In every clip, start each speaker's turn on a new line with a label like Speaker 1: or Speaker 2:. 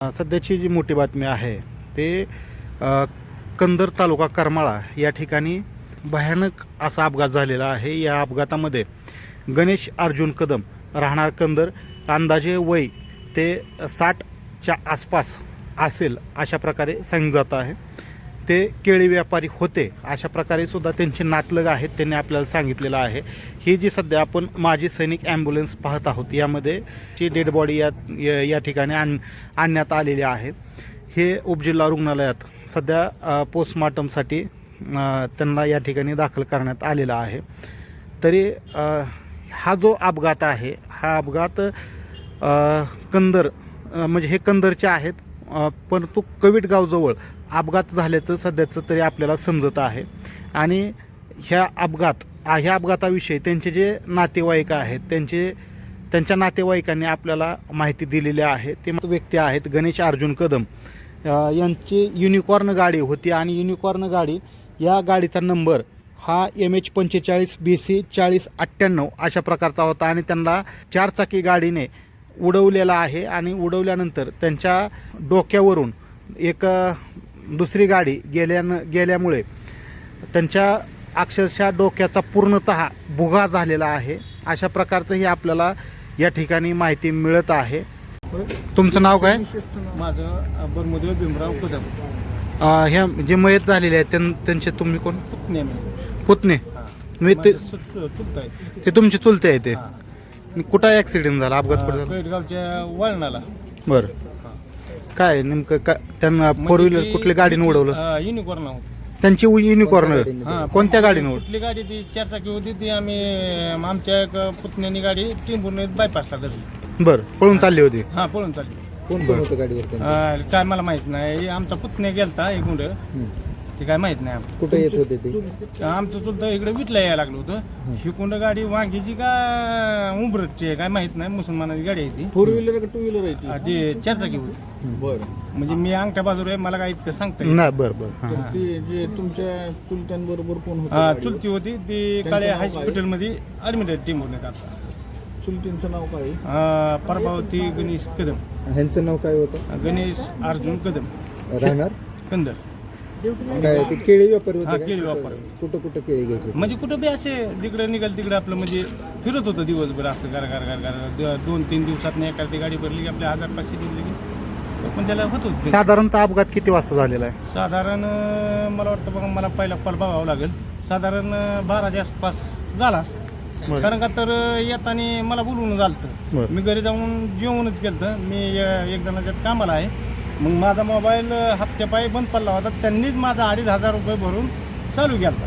Speaker 1: सध्याची जी मोठी बातमी आहे ते कंदर तालुका करमाळा या ठिकाणी भयानक असा अपघात झालेला आहे. या अपघातामध्ये गणेश अर्जुन कदम राहणार कंदर, अंदाजे वय ते 60च्या आसपास असेल अशा प्रकारे सांगितलं जात आहे. ते केळी व्यापारी होते अशा प्रकारे सुद्धा त्यांचे नातलग आहेत, त्यांनी आपल्याला सांगितलेलं आहे. ही जी सध्या आपण माजी सैनिक ॲम्ब्युलन्स पाहत आहोत यामध्ये ची डेड बॉडी या ठिकाणी आणण्यात आलेली आहे. हे उपजिल्हा रुग्णालयात सध्या पोस्टमॉर्टमसाठी त्यांना या ठिकाणी दाखल करण्यात आलेला आहे. तरी हा जो अपघात आहे हा अपघात कंदर म्हणजे हे कंदरचे आहेत, परंतु कविटगावजवळ अपघात झाल्याचं सध्याचं तरी आपल्याला समजत आहे. आणि ह्या अपघाताविषयी त्यांचे जे नातेवाईक आहेत त्यांच्या नातेवाईकांनी आपल्याला माहिती दिलेली आहे. ते व्यक्ती आहेत गणेश अर्जुन कदम, यांची युनिकॉर्न गाडी होती आणि युनिकॉर्न गाडी या गाडीचा नंबर हा MH45 BC 4098 अशा प्रकारचा होता आणि त्यांना 4 चाकी गाडीने उडवलेला आहे. आणि उडवल्यानंतर त्यांच्या डोक्यावरून एक दुसरी गाडी गेल्यामुळे त्यांच्या अक्षरशः डोक्याचा पूर्णतः भुगा झालेला आहे. अशा प्रकारचं ही आपल्याला या ठिकाणी माहिती मिळत आहे. तुमचं नाव काय?
Speaker 2: माझं बरमुदेव भीमराव कदम.
Speaker 1: ह्या जे मयत झालेले आहेत त्यांचे तुम्ही कोण? पुतणे. ते तुमचे चुलते आहे. ते कुठं ॲक्सिडेंट झाला, अपघात कुठं झाला?
Speaker 2: पेटगावच्या वळणाला.
Speaker 1: बरं, काय नेमकं काय त्यांना फोर व्हीलर कुठल्या गाडीने उडवलं?
Speaker 2: युनिकॉर्न.
Speaker 1: त्यांची युनिकॉर्न कोणत्या गाडीने
Speaker 2: कुठली गाडी? ती 4 चाकी होती. ती आम्ही आमच्या एक पुतण्यानी गाडी टिंबूर बायपासला धरली.
Speaker 1: बरं, पळून चालली होती?
Speaker 2: हा, पळून चालली.
Speaker 3: कोण कोण होतं गाडीवर?
Speaker 2: काय मला माहित नाही. आमचा पुतण्या गेलता एक गुंड, ते काय माहित नाही.
Speaker 3: कुठे येत होते ते?
Speaker 2: आमचं चुलतं इकडे विटला यायला लागलं होतं. ही कुंड गाडी वांगीची का उंबरटची आहे काय माहित नाही. मुसलमानाची गाडी आहे ती.
Speaker 3: 4 व्हीलर का 2 व्हीलर आहे ती?
Speaker 2: ती 4 चाकी होती.
Speaker 3: बरं.
Speaker 2: म्हणजे मी अंगठ्या बाजूला आहे, मला काय इतकं सांगता येईल
Speaker 1: नाही. बरं बरं.
Speaker 3: तर ती जे तुमच्या चुलत्यांबरोबर कोण होतं?
Speaker 2: चुलती होती. ती काळे हॉस्पिटलमध्ये ऍडमिट आहे टीमवर. आता
Speaker 3: चुलतींचं नाव काय?
Speaker 2: प्रभावती गणेश कदम.
Speaker 3: ह्यांचं नाव काय होतं?
Speaker 2: गणेश अर्जुन कदम,
Speaker 3: राहणार
Speaker 2: कंदर.
Speaker 3: काय ते केळी व्यापारी
Speaker 2: हा,
Speaker 3: होते?
Speaker 2: केळी व्यापारी.
Speaker 3: कुठं कुठं केळी घ्यायचे?
Speaker 2: म्हणजे कुठं बी असे जिकडे निघाल तिकडे आपलं म्हणजे फिरत होतं दिवसभर असं गार गार गार गार. 2-3 दिवसात एखादी गाडी भरली की आपल्या 1000-500 दिली की पण त्याला होत होतं.
Speaker 1: साधारणतः अपघात किती वाजता झालेला आहे?
Speaker 2: साधारण मला वाटतं बघा, मला पहिला कॉल बघावं लागेल. साधारण 12च्या आसपास झाला. कारण का तर येताना मला बोलवून झालं. मी घरी जाऊन जेवणच केलं. मी एक जणाच्यात कामाला आहे. मग माझा मोबाईल हप्त्यापायी बंद पडला होता. त्यांनीच माझा 2500 रुपये भरून चालू केला.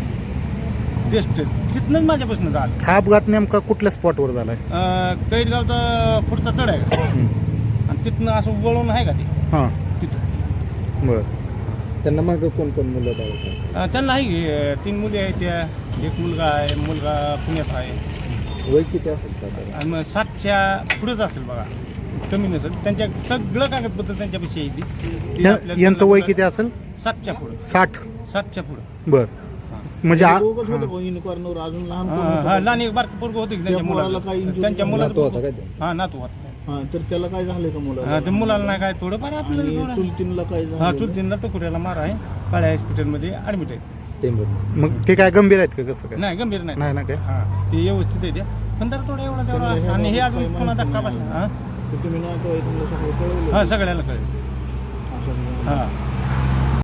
Speaker 2: जस्ट तिथनंच माझ्यापासून झालं.
Speaker 1: हा अपघात नेमका कुठल्या स्पॉटवर झाला आहे?
Speaker 2: कैदगावचा पुढचा तळ आहे का, आणि तिथनं असं वळून आहे का ते
Speaker 1: हां,
Speaker 2: तिथं.
Speaker 1: बरं.
Speaker 3: त्यांना मग कोण कोण मुलं बाळ?
Speaker 2: त्यांना आहे 3 मुली आहेत. त्या एक मुलगा आहे. मुलगा पुण्यात आहे.
Speaker 3: वय किती असेल साधारण?
Speaker 2: आणि मग 60च्या पुढेच असेल बघा, कमी नसेल. त्यांच्या सगळं कागदपत्र त्यांच्यापाशी येते.
Speaker 1: यांचं वय किती असेल?
Speaker 2: 7च्या पुढे.
Speaker 1: 60च्या
Speaker 2: पुढे.
Speaker 1: बरं. म्हणजे
Speaker 3: युनिकॉर्नवर अजून लहान
Speaker 2: लहान एक बारकं पोरगं होतं की त्यांच्या मुलाला. त्यांच्या
Speaker 3: नातू होता
Speaker 2: मुलाला
Speaker 3: काय?
Speaker 2: हा, नातू होता.
Speaker 3: तर त्याला काय झालंय का मुलाला?
Speaker 2: ते मुलाला नाही काय, थोडंफार आपल्याला.
Speaker 3: चुलतींना काय झालं?
Speaker 2: हा, चुलतींना टोकुऱ्याला मार आहे. काळ्या हॉस्पिटलमध्ये ऍडमिट आहे.
Speaker 3: टेंबूर.
Speaker 1: मग ते काय गंभीर आहेत का? कसं काय?
Speaker 2: नाही, गंभीर नाही.
Speaker 1: नाही ना काय?
Speaker 2: हा, ते व्यवस्थित आहे. ते पण जरा थोडं एवढा तेवढा. आणि हे अजून पुन्हा धक्का बसला.
Speaker 3: तुम्ही ना तो तुम्हाला सगळं कळवलं?
Speaker 2: हा, सगळ्याला कळेल.
Speaker 3: असं
Speaker 2: हा.